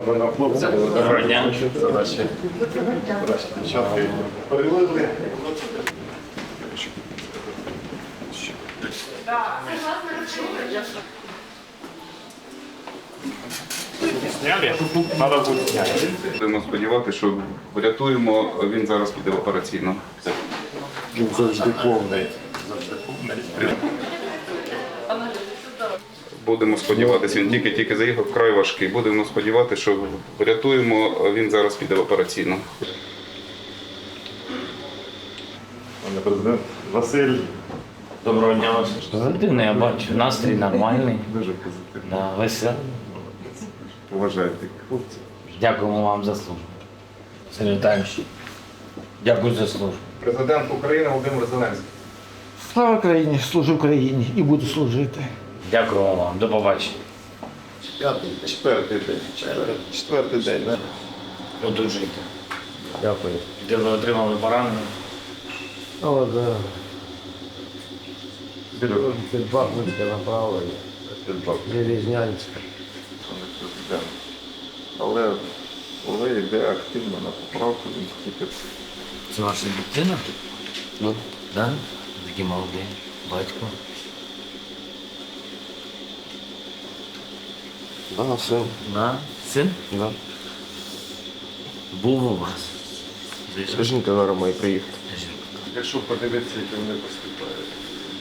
Доброго дня. Будемо сподіватися, що врятуємо, він зараз піде в операційну. Він завжди повний. Будемо сподіватися, він тільки заїхав, вкрай важкий. Будемо сподіватися, що врятуємо, він зараз піде в операційну. Пане президент Василь. Доброго дня вас. Позитивний, я бачу. Настрій нормальний. Дуже позитивно. Да, веселий. Поважайте хлопців. Дякуємо вам за службу. Сергій Віталійович, дякую за службу. Президент України Володимир Зеленський. Слава Україні, служу Україні і буду служити. Дякуємо вам. До побачення. Четвертий день. Четвертий день, так? Одужуйте. Дякую. Де ви отримали поранення? О, да. Під Бахмутське направлення. Железнянське. Але йде активно на поправку, він тільки. Це ваша дитина? Ну. Да? Такий молодий. Батько. Да, син. Да? Син? Да. Був у вас. Зайшов? Жінка зараз має приїхати. Якщо подивитися, як вони поступають.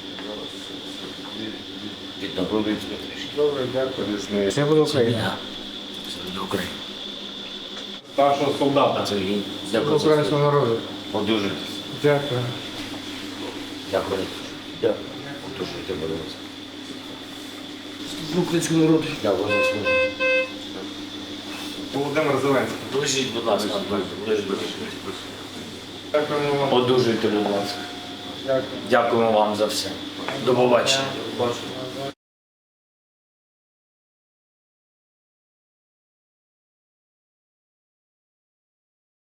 Відновлюється трішки. Добре, дякую. Різний. Це буде Україна. Я. Це до України. Старшого солдата. Сергій, дякую за Українського службу. народу. Одужуйтесь. Дякую. Дякую. Дякую. Одужуйте, будь ласка. Українського народу. Дякую за службу. Володимир Зеленський. Лежіть, будь ласка. Лежіть. Дякуємо вам. Одужуйте, будь ласка. Дякуємо вам за все. До побачення.